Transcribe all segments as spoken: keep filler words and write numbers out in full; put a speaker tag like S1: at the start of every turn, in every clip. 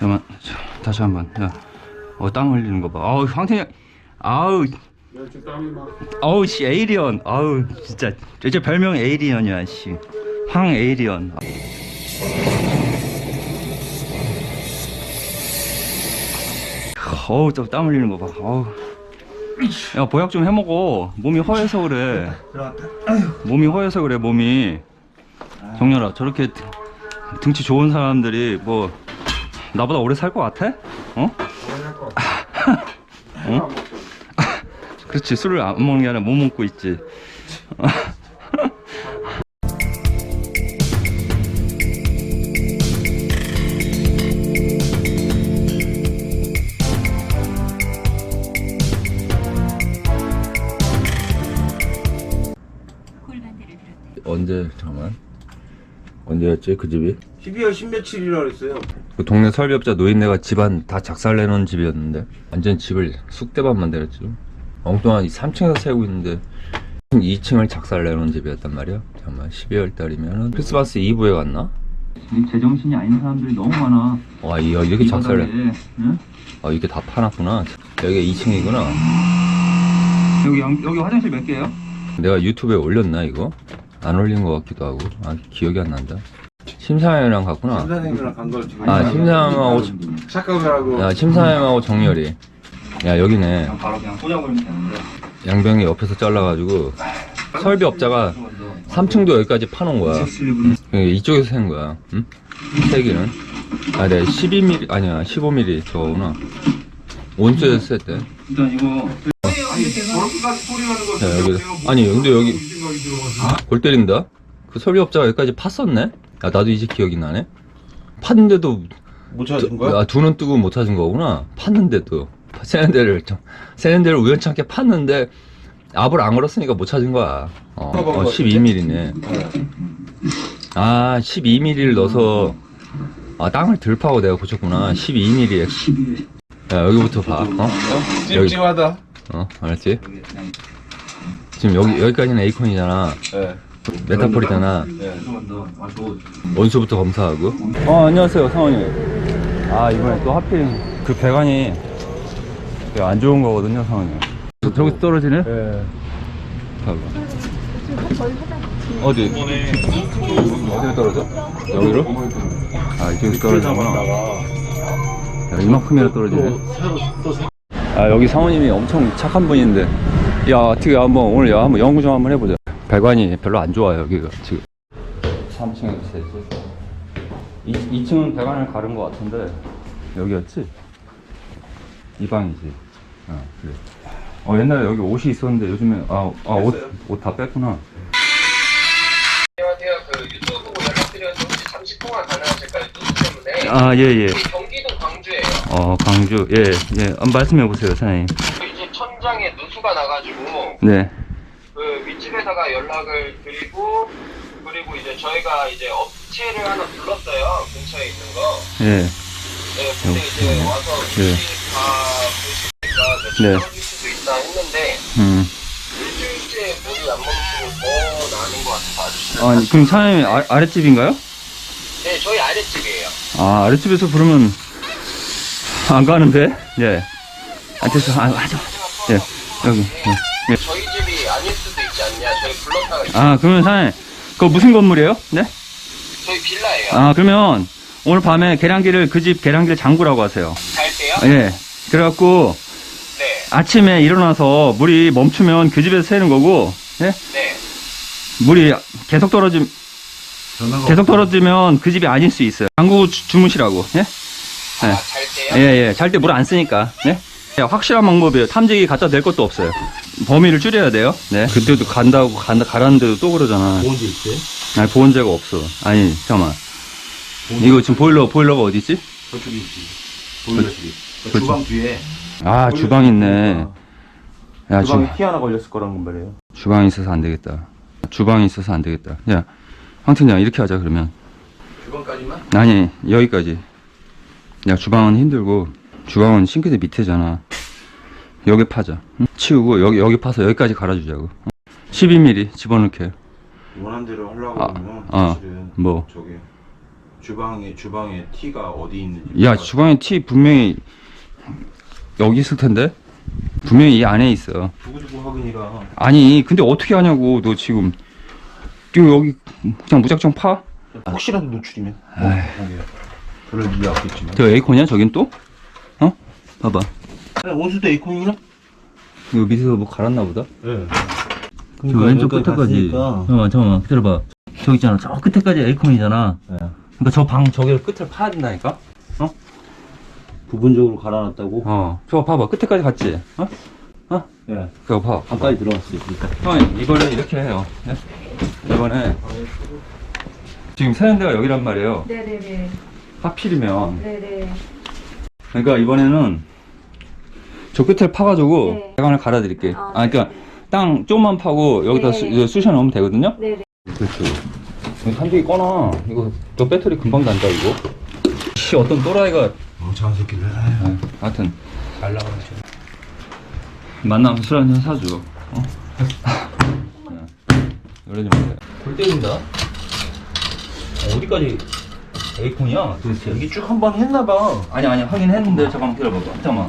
S1: 잠깐만, 다시 한번. 야, 어, 땀 흘리는 거 봐. 아우, 황태이, 아우, 아우, 씨, 에이리언. 아우, 진짜. 이제 별명 에이리언이야, 씨. 황 에이리언. 어우, 또 땀 흘리는 거 봐. 어우. 야, 보약 좀 해먹어. 몸이 허해서 그래. 몸이 허해서 그래, 몸이. 정렬아, 저렇게 등치 좋은 사람들이 뭐 나보다 오래 살 것 같아? 어? 어? 그렇지, 술을 안 먹는 게 아니라 못 먹고 있지. 언제, 잠깐만, 언제였지 그 집이?
S2: 십이월 십며칠이라 그랬어요.
S1: 그 동네 설비업자 노인네가 집안 다 작살내놓은 집이었는데 완전 집을 쑥대밭 만들었지. 엉뚱한 이 삼 층에서 살고 있는데 이 층을 작살내놓은 집이었단 말이야. 잠깐만, 십이월 달이면은 크리스마스 이브에 갔나? 제정신이 아닌 사람들이 너무 많아. 와, 이, 이렇게 작살내. 응? 아, 이게 다 파놨구나. 여기가 이 층이구나. 여기 양, 여기 화장실 몇 개예요? 내가 유튜브에 올렸나 이거? 안 올린 것 같기도 하고. 아, 기억이 안 난다. 심사위원이랑 갔구나.
S2: 심사님이랑 간 걸 지금.
S1: 아, 심사위원하고
S2: 착각을 하고.
S1: 야, 심사위원하고 정렬이. 야, 여기네.
S3: 바로 그냥 꽂아버리면 되는데.
S1: 양병이 옆에서 잘라가지고 설비업자가 삼 층도 여기까지 파놓은 거야. 응? 이쪽에서 센 거야. 응? 세기는. 아, 내가 십이 밀리미터 아니야, 십오 밀리미터 저거구나. 온수에서 셌대.
S3: 일단 이거
S2: 저렇게까지 소리 나는 거.
S1: 자, 여기. 아니, 근데 여기 골 때린다. 그 설비업자가 여기까지 팠었네. 야, 나도 이제 기억이 나네. 팠는데도
S2: 못 찾은 거야?
S1: 아, 두 눈 뜨고 못 찾은 거구나. 팠는데도 세는 데를 좀 세는 데를 우연찮게 팠는데 압을 안 걸었으니까 못 찾은 거야. 어, 어 십이 밀리미터네. 아, 십이 밀리미터를 넣어서 아, 땅을 덜 파고 내가 고쳤구나. 십이 밀리미터에. 야, 여기부터 봐. 어? 여기.
S2: 찜찜하다.
S1: 어, 알았지? 지금 여기 여기까지는 에이콘이잖아.
S2: 네.
S1: 메타폴이잖아.
S2: 네.
S1: 원수부터 검사하고. 어, 안녕하세요, 상원님. 아, 이번에 또 하필 그 배관이 안 좋은 거거든요, 상원님. 저기 떨어지네?
S2: 네.
S1: 봐봐. 어디? 어디로 떨어져? 여기로? 아, 이쪽에서 떨어지는구나. 야, 이만큼이나 떨어지네. 아, 여기 상원님이 엄청 착한 분인데, 야, 어떻게 한번 오늘 야, 한번 연구 좀 한번 해보자. 배관이 별로 안 좋아요, 여기가 지금. 삼 층에서 셋째. 이 층은 배관을 가른 것 같은데, 여기였지? 이 방이지. 아, 그래. 어, 옛날에 여기 옷이 있었는데 요즘에, 아, 아, 옷, 옷 다 뺐구나.
S4: 안녕하세요. 그 유튜브 보고 연락드렸는데 혹시 잠시 통화 가능하실까요? 누수 때문에.
S1: 아, 예, 예.
S4: 경기도 광주예요.
S1: 어, 광주. 예, 예. 한번 말씀해 보세요, 사장님.
S4: 이제 천장에 누수가 나가지고
S1: 네.
S4: 그 윗집에다가 연락을 드리고 그리고 이제 저희가 이제 업체를 하나 불렀어요. 근처에 있는 거.
S1: 예.
S4: 네, 근데 이제 와서
S1: 네.
S4: 위치 다 보시니까
S1: 네.
S4: 떨어질 수도 있다 했는데
S1: 음.
S4: 일주일째 물이 안 멈추고 더 나는 것 같아서 아저씨.
S1: 아니, 그럼 사장님 아, 아랫집인가요?
S4: 네, 저희 아랫집이에요.
S1: 아, 아랫집에서 부르면 안 가는데? 예. 아, 됐어. 아, 하자. 예. 여기. 예. 예.
S4: 저희 집이 아닐 수도 있지 않냐? 저희 불렀다가 있어요.
S1: 아, 그러면 사장님, 그거 무슨 건물이에요? 네?
S4: 저희 빌라예요.
S1: 아, 그러면 오늘 밤에 계량기를, 그 집 계량기를 잠그라고 하세요.
S4: 잘 때요?
S1: 예. 그래갖고
S4: 네.
S1: 아침에 일어나서 물이 멈추면 그 집에서 새는 거고, 예?
S4: 네.
S1: 물이 계속 떨어짐, 계속 떨어지면 그 집이 아닐 수 있어요. 잠그고 주- 주무시라고, 예?
S4: 아, 잘
S1: 예,
S4: 때요?
S1: 예. 잘 때 물 안 쓰니까, 네? 예, 확실한 방법이에요. 탐지기 갖다 댈 것도 없어요. 범위를 줄여야 돼요. 네. 그때도 간다고, 간다, 가라는데도 또 그러잖아.
S2: 보온제 있대?
S1: 아니, 보온제가 없어. 아니, 잠깐만. 이거 지금 보일러, 보일러가 어디 있지?
S2: 저쪽에 있지. 보일러실이.
S1: 그렇지.
S2: 주방 뒤에.
S1: 아, 주방 있네. 야, 주,
S2: 주방에 키 하나 걸렸을 거란 말이에요.
S1: 주방이 있어서 안 되겠다. 주방이 있어서 안 되겠다. 야, 황 팀장, 이렇게 하자, 그러면.
S2: 주방까지만?
S1: 아니, 여기까지. 야, 주방은 힘들고, 주방은 싱크대 밑에잖아. 여기 파자. 응? 치우고, 여기, 여기 파서 여기까지 갈아주자고. 십이 밀리미터 집어넣게.
S2: 원하는 대로 하려고
S1: 아,
S2: 하면
S1: 어,
S2: 사실은
S1: 뭐.
S2: 저기 주방에 주방에 티가 어디 있는지.
S1: 야, 주방에 티 분명히 여기 있을 텐데? 분명히 이 안에 있어.
S2: 두고두고 하긴이라.
S1: 아니, 근데 어떻게 하냐고, 너 지금. 이거 여기 그냥 무작정 파?
S2: 혹시라도 노출이면. 뭐, 여기. 그럴 이유 없겠지만.
S1: 저 에이콘이야, 저긴 또? 어? 봐봐.
S2: 온수도 에이콘이나?
S1: 이거 밑에서 뭐 갈았나 보다?
S2: 네.
S1: 저 왼쪽 끝에까지. 잠깐만, 잠깐만, 기다려봐. 저기 있잖아, 저 끝에까지 에이콘이잖아.
S2: 네.
S1: 그러니까 저 방 저기를 끝을 파야 된다니까? 어?
S2: 부분적으로 갈아놨다고?
S1: 어. 저거 봐봐, 끝에까지 갔지? 어? 어?
S2: 네.
S1: 그거 봐.
S2: 가까이 들어갔어요. 그러니까.
S1: 형, 이거를 이렇게 해요. 네? 이번에 지금 세는데가 여기란 말이에요.
S5: 네네네.
S1: 하필이면.
S5: 네네.
S1: 그러니까 이번에는 저 끝을 파가지고
S5: 네.
S1: 배관을 갈아드릴게.
S5: 아,
S1: 아, 그러니까 땅 조금만 파고 여기다
S5: 네.
S1: 수, 이거 쑤셔 넣으면 되거든요?
S5: 네네.
S1: 그렇죠. 한쪽이 꺼놔. 이거 너 배터리 금방 단다 이거. 씨, 어떤 또라이가.
S2: 멍청한 새끼들.
S1: 네, 하여튼
S2: 잘 나가는 거.
S1: 만나면 술 한잔 사줘. 어? 그러지 마세요. 골 때린다. 어, 어디까지 에이콘이야 도대체?
S2: 여기 쭉 한 번 했나봐.
S1: 아니 아니 하긴 했는데 잠깐만 기다려봐. 잠깐만.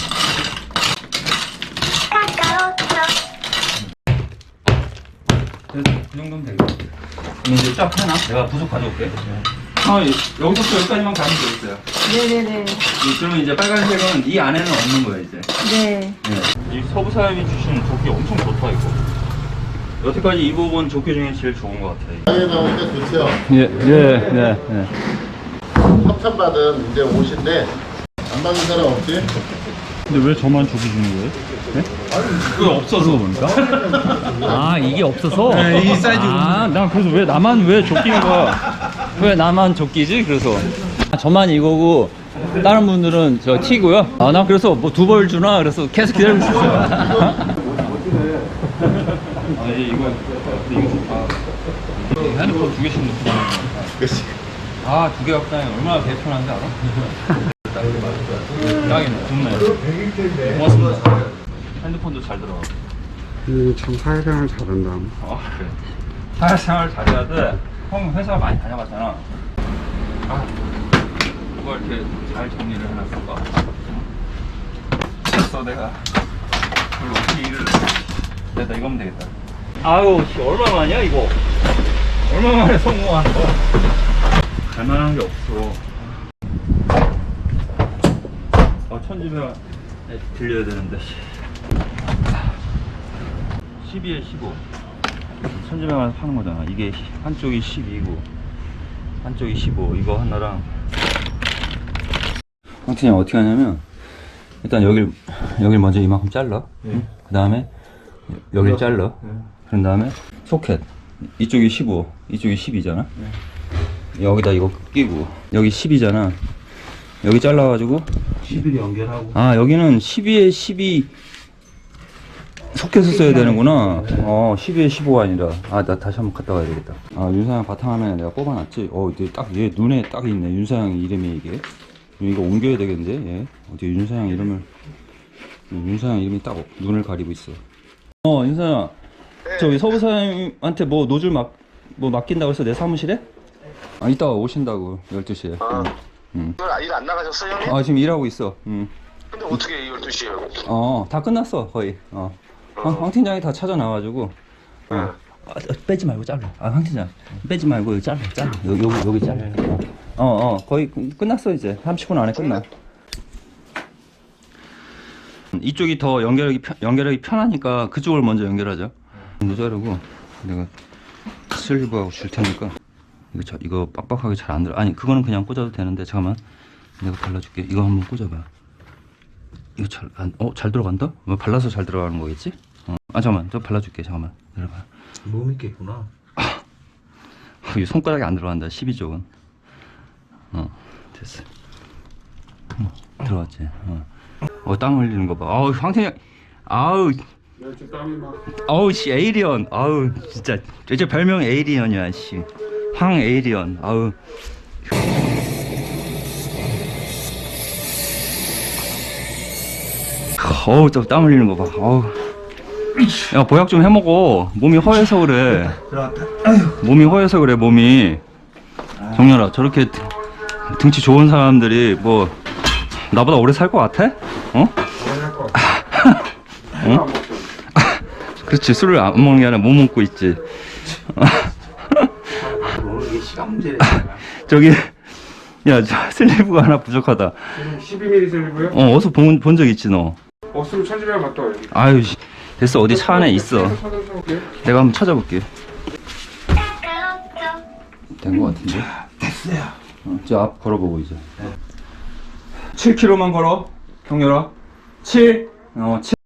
S1: 그래서 그 정도면 되겠다. 그럼 이제 쫙 해놔. 내가 부속 가져올게. 아, 여기서부터 여기까지만 가면 되겠어요.
S5: 네네네.
S1: 이- 그러면 이제 빨간색은 이 안에는 없는 거야 이제.
S5: 네.
S1: 이 서부 사람이 주신 조끼 엄청 좋다 이거. 여태까지 입어본 조끼 중에 제일 좋은 것 같아.
S6: 방에 나오니까 좋죠.
S1: 예, 예, 네, 네.
S6: 협찬받은 이제 옷인데 안 받는 사람 없지?
S1: 근데 왜 저만 조끼 주는 거예요? 네? 그게 없어서 보니까. 아, 이게 없어서? 네, 이 사이즈. 아, 난 그래서 왜 나만 왜 조끼인 거야? 왜 나만 조끼지? 그래서. 아, 저만 이거고 다른 분들은 저 티고요. 아, 나 그래서 뭐 두 벌 주나 그래서 계속 기다리고 있었어요. 아, 이제 이거 이거 아, 핸드폰 두 개씩 넣고. 아, 두 개 갖고 다니면 얼마나 배편한지 알아? 딱이네, 좋네. 고맙습니다. 핸드폰도 잘 들어가.
S7: 음, 참 사회생활 잘한다.
S1: 아, 그래. 사회생활 잘해야 돼. 형 회사 많이 다녀봤잖아. 아, 그걸 이렇게 잘 정리를 해놨을까? 됐어, 내가. 그걸 어떻게 일을. 내가 이거면 되겠다. 아유, 씨, 얼마만이야, 이거? 얼마만에 성공한 거야? 갈만한 게 없어. 아, 천지배가 들려야 되는데. 십이에 십오. 천지배가 파는 거잖아. 이게 한쪽이 십이고, 한쪽이 십오. 이거 하나랑. 황태님 어떻게 하냐면, 일단 여길, 여길 먼저 이만큼 잘라. 네. 그 다음에 여길 잘라. 네. 그런 다음에 소켓. 이쪽이 십오, 이쪽이 십이잖아. 네. 여기다 이거 끼고, 여기 십이잖아. 여기 잘라가지고
S2: 십일 연결하고.
S1: 아, 여기는 십이에 십이 소켓을 써야 되는구나. 어, 십이에 십오가 아니라. 아, 나 다시 한번 갔다 와야 되겠다. 아, 윤사양 바탕화면에 내가 뽑아놨지. 어, 이게 딱, 얘 눈에 딱 있네. 윤사양 이름이 이게. 이거 옮겨야 되겠는데, 얘. 어디 윤사양 이름을. 윤사양 이름이 딱 눈을 가리고 있어. 어, 윤사양. 저기 서부사장님한테 뭐 노즐 막, 뭐 맡긴다고 해서 내 사무실에? 아, 이따가 오신다고, 열두 시에.
S8: 아,
S1: 응.
S8: 일 안 나가셨어요, 형님?
S1: 아, 지금 일하고 있어. 응.
S8: 근데 어떻게 열두 시에?
S1: 어, 다 끝났어, 거의. 어. 황, 황 팀장이 다 찾아나와가지고. 어. 아, 빼지 말고 잘라. 아, 황 팀장. 빼지 말고 여기 잘라, 잘라. 여기, 여기, 여기 잘라. 어, 어, 어, 거의 끝났어, 이제. 삼십 분 안에 끝나. 이쪽이 더 연결하기, 편, 연결하기 편하니까 그쪽을 먼저 연결하자. 이거 자르고, 내가 슬리브하고 줄 테니까. 이거, 저, 이거 빡빡하게 잘 안 들어. 아니, 그거는 그냥 꽂아도 되는데, 잠깐만. 내가 발라줄게. 이거 한번 꽂아봐. 이거 잘, 안, 어, 잘 들어간다? 뭐 발라서 잘 들어가는 거겠지? 어. 아, 잠깐만. 저 발라줄게. 잠깐만. 내려봐.
S2: 몸 있겠구나.
S1: 이 손가락이 안 들어간다. 십이 쪽은. 어, 됐어. 어, 들어갔지. 어. 어, 땀 흘리는 거 봐. 아우, 황태양. 아우. 아우, 씨, 에이리언. 아우, 진짜. 이제 별명 에이리언이야, 씨. 황 에이리언. 아우. 어우, 또 땀 흘리는 거 봐. 어우. 야, 보약 좀 해먹어. 몸이 허해서 그래. 몸이 허해서 그래, 몸이. 정렬아, 저렇게 등치 좋은 사람들이 뭐 나보다 오래 살 것 같아? 어? 응? 그렇지, 술을 안 먹는 게 아니라 못 먹고 있지.
S7: 이게 시간 문제네.
S1: 저기 야, 저 슬리브가 하나 부족하다.
S7: 십이 밀리미터 슬리브요?
S1: 어, 어디서 본 본 적 있지 너?
S7: 어, 쓰면 천지배가 갔다 와요.
S1: 아유, 씨. 됐어, 어디 차 안에 있어.
S7: 찾아볼게요.
S1: 내가 한번 찾아볼게. 된 거 같은데?
S7: 됐어요.
S1: 어, 저 앞 걸어보고 이제. 칠 킬로미터만 걸어, 경렬아. 칠. 어, 칠.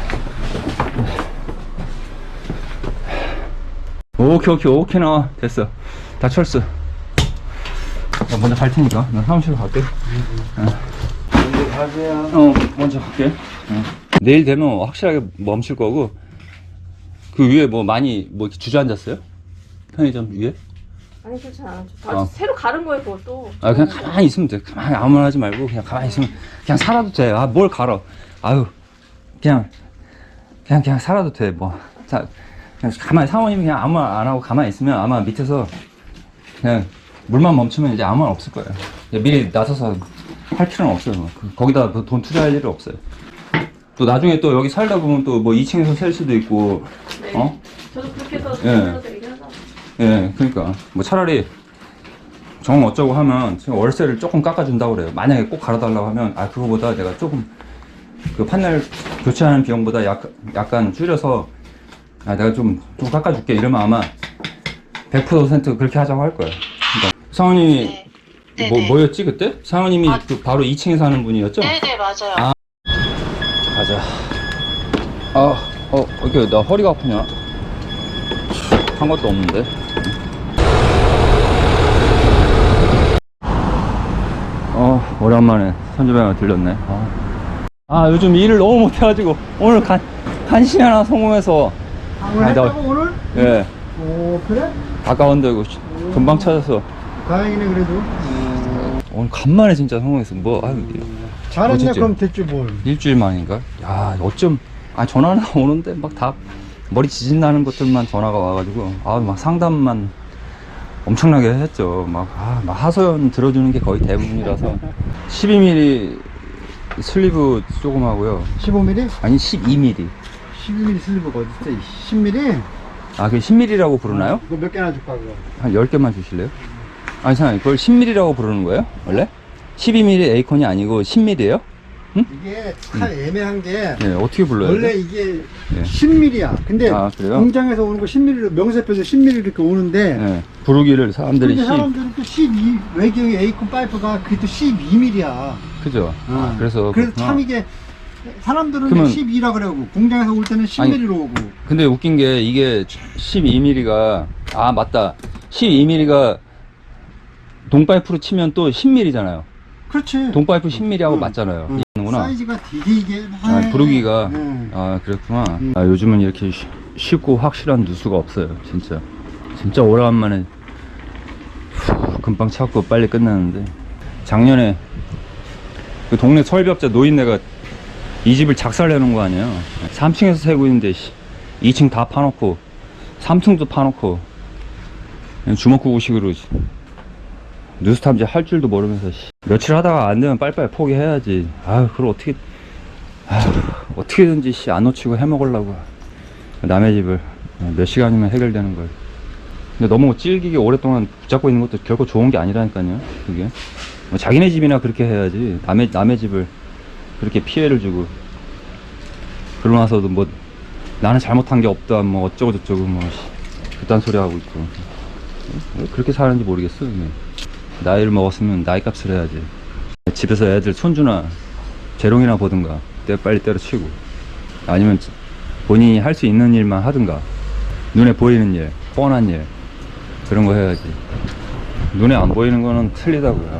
S1: 오케이, 오케이, 오케이, 나 됐어. 다 철수. 나 먼저 갈 테니까. 나 사무실로 갈게.
S7: 먼저 가세요.
S1: 어, 먼저 갈게. 어. 내일 되면 확실하게 멈출 거고. 그 위에 뭐 많이 뭐 이렇게 주저앉았어요? 편의점 위에?
S5: 아니 그렇지 않아. 다
S1: 어.
S5: 새로 가른 거예요 그것도.
S1: 아, 그냥 가만히 있으면 돼. 가만히 아무 말 하지 말고 그냥 가만히 있으면 그냥 살아도 돼. 아, 뭘 갈아. 아유, 그냥 그냥 그냥 살아도 돼. 뭐 자, 그냥 가만히 사모님이 그냥 아무 말 안 하고 가만히 있으면 아마 밑에서 그냥 물만 멈추면 이제 아무 말 없을 거예요. 미리 나서서 할 필요는 없어요. 뭐. 그- 거기다 뭐돈 투자할 일은 없어요. 또 나중에 또 여기 살다 보면 또 뭐 이 층에서 살 수도 있고,
S5: 네.
S1: 어?
S5: 저도 그렇게 해서
S1: 예.
S5: 그래서 얘기하자.
S1: 예, 그러니까 뭐 차라리 정 어쩌고 하면 지금 월세를 조금 깎아준다고 그래요. 만약에 꼭 갈아달라고 하면 아 그거보다 내가 조금 그 판넬 교체하는 비용보다 약, 약간 줄여서 아 내가 좀, 좀 깎아줄게 이러면 아마 백 퍼센트 그렇게 하자고 할 거예요. 그러니까 상원님이
S9: 네.
S1: 뭐,
S9: 네네.
S1: 뭐였지 그때? 상원님이
S9: 아.
S1: 그 바로 이 층에 사는 분이었죠?
S9: 네네 맞아요.
S1: 아. 가자. 아, 어, 이렇게 나 허리가 아프냐? 한 것도 없는데. 어, 오랜만에 선주병을 들렸네. 아. 아, 요즘 일을 너무 못해가지고 오늘 간, 간신히 하나 성공해서.
S6: 아, 오늘
S1: 아니, 나-
S6: 했다고 오늘?
S1: 예,
S6: 오 그래?
S1: 가까운데 이거 금방 찾아서
S6: 다행이네 그래도.
S1: 오늘 간만에 진짜 성공했어. 뭐, 아유,
S6: 잘했네.
S1: 어쨌지?
S6: 그럼 됐지 뭘.
S1: 일주일 만인가? 야, 어쩜, 아, 전화는 오는데 막 다 머리 지진 나는 것들만 전화가 와가지고, 아, 막 상담만 엄청나게 했죠. 막, 아, 막 하소연 들어주는 게 거의 대부분이라서. 십이 밀리미터 슬리브 조금 하고요.
S6: 십오 밀리미터?
S1: 아니, 십이 밀리미터.
S6: 십이 밀리미터 슬리브가 어딨어? 십 밀리미터?
S1: 아, 그게 십 밀리미터라고 부르나요?
S6: 이거 몇 개나 줄까 그거?
S1: 한 열 개만 주실래요? 아니, 잠깐만, 그걸 십 밀리미터라고 부르는 거예요? 원래? 십이 밀리미터 에이콘이 아니고 십 밀리미터예요?
S6: 이게 참 애매한 게
S1: 네, 어떻게 불러요?
S6: 원래 이게
S1: 네.
S6: 십 밀리미터야. 근데
S1: 아, 그래요?
S6: 공장에서 오는 거 십 밀리미터, 명세표에서 십 밀리미터 이렇게 오는데
S1: 네, 부르기를 사람들이
S6: 근데
S1: 십,
S6: 사람들은 또 십이, 외경의 에이콘 파이프가 그게 또 십이 밀리미터야.
S1: 그죠? 아, 그래서.
S6: 그래서
S1: 그렇구나.
S6: 참 이게 사람들은
S1: 그러면-
S6: 십이라 그러고 공장에서 올 때는 십 밀리미터로 오고.
S1: 근데 웃긴 게 이게 십이 밀리미터가 아 맞다 십이 밀리미터가 동파이프로 치면 또 십 밀리미터잖아요.
S6: 그렇지.
S1: 동파이프 십 밀리미터하고
S6: 응.
S1: 맞잖아요.
S6: 응.
S1: 이해하는구나.
S6: 사이즈가 되게 이게
S1: 아, 부르기가
S6: 응.
S1: 아 그랬구나.
S6: 응.
S1: 아, 요즘은 이렇게 쉬- 쉽고 확실한 누수가 없어요. 진짜 진짜 오래간만에 후, 금방 찾고 빨리 끝나는데 작년에 그 동네 설비업자 노인네가 이 집을 작살내는 거 아니에요. 삼 층에서 살고 있는데 이 층 다 파놓고 삼 층도 파놓고 그냥 주먹구구식으로 뉴스 탐지 할 줄도 모르면서 씨. 며칠 하다가 안 되면 빨리빨리 포기해야지. 아유 그걸 어떻게 아유, 어떻게든지 씨, 안 놓치고 해먹으려고 남의 집을 몇 시간이면 해결되는 걸. 근데 너무 찔기게 오랫동안 붙잡고 있는 것도 결코 좋은 게 아니라니까요. 그게 뭐 자기네 집이나 그렇게 해야지 남의 남의 집을 그렇게 피해를 주고 그러고 나서도 뭐 나는 잘못한 게 없다 뭐 어쩌고 저쩌고 뭐 씨, 그딴 소리 하고 있고 왜 그렇게 사는지 모르겠어. 그냥. 나이를 먹었으면 나이 값을 해야지. 집에서 애들 손주나 재롱이나 보든가 때 빨리 때려치고 아니면 본인이 할 수 있는 일만 하든가 눈에 보이는 일 뻔한 일 그런 거 해야지. 눈에 안 보이는 거는 틀리다고요.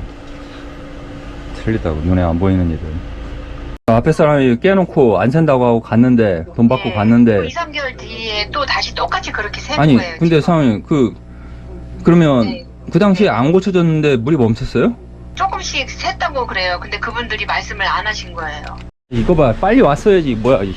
S1: 틀리다고 눈에 안 보이는 일을. 앞에 사람이 깨놓고 안 샌다고 하고 갔는데 돈 받고
S9: 네.
S1: 갔는데
S9: 이, 삼 개월 뒤에 또 다시 똑같이 그렇게 세는
S1: 아니
S9: 거예요.
S1: 근데
S9: 지금.
S1: 상황이 그 그러면
S9: 네.
S1: 그 당시에 안 고쳐졌는데 물이 멈췄어요?
S9: 조금씩 샜다고 그래요. 근데 그분들이 말씀을 안 하신 거예요.
S1: 이거 봐 빨리 왔어야지 뭐야 이씨.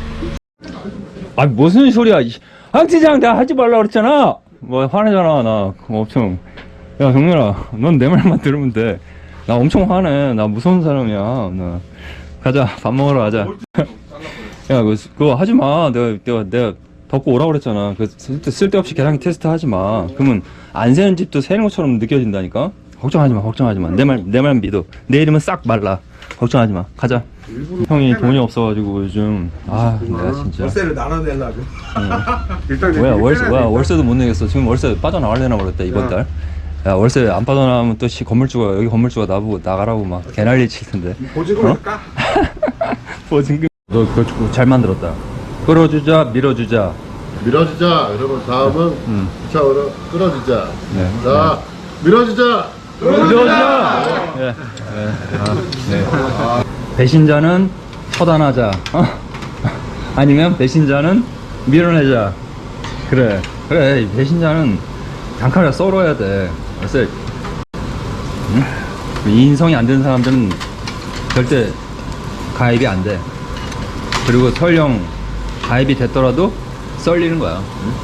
S1: 아 무슨 소리야 이씨. 황팀장 내가 하지 말라 그랬잖아. 뭐 화내잖아 나 엄청. 야 정렬아 넌 내 말만 들으면 돼. 나 엄청 화내. 나 무서운 사람이야. 나. 가자. 밥 먹으러 가자. 야, 그거, 그거 하지 마. 내가, 내가, 내가 덮고 오라고 그랬잖아. 그 쓸데, 쓸데없이 계량기 테스트 하지 마. 그러면 안 새는 집도 새는 것처럼 느껴진다니까? 걱정하지 마, 걱정하지 마. 내 말, 내 말 믿어. 내일이면 싹 말라. 걱정하지 마. 가자. 형이 돈이 없어가지고 요즘, 아, 내가 진짜.
S7: 월세를 나눠내려고. 일단
S1: 뭐야, 월세,
S7: 빼놔야
S1: 뭐야,
S7: 되니까.
S1: 월세도 못 내겠어. 지금 월세 빠져나가려나 그랬다, 이번 달. 야, 월세 안 빠져나가면 또 씨, 건물주가, 여기 건물주가 나보고 나가라고 막 개난리 칠 텐데.
S7: 보증금을
S1: 어?
S7: 까?
S1: 보증금. 너 그거 좀 잘 만들었다. 끌어주자, 밀어주자.
S6: 밀어주자. 그러면 다음은
S1: 음.
S6: 차으로 끌어주자.
S1: 네.
S6: 자, 밀어주자.
S1: 밀어주자! 예. 예. 아, 네. 배신자는 처단하자. 어? 아니면 배신자는 밀어내자. 그래. 그래. 이 배신자는 단칼에 썰어야 돼. 그래서 응? 이 인성이 안 되는 사람들은 절대 가입이 안 돼. 그리고 설령 가입이 됐더라도 썰리는 거야. 응?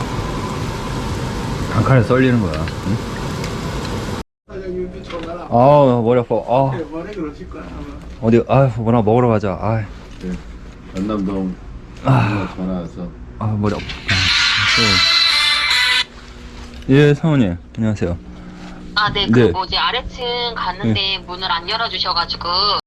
S1: 단칼에 썰리는 거야. 응? 아, 머리 아파. 아,
S7: 머리 그러실 거야 아마.
S1: 어디, 아, 뭐나 먹으러 가자. 아,
S6: 네. 연남동
S1: 아.
S6: 전화 와서.
S1: 아, 머리 아파. 예, 사모님. 안녕하세요.
S9: 아, 네,
S1: 네.
S9: 그 뭐지 아래층 갔는데 문을 안 열어주셔가지고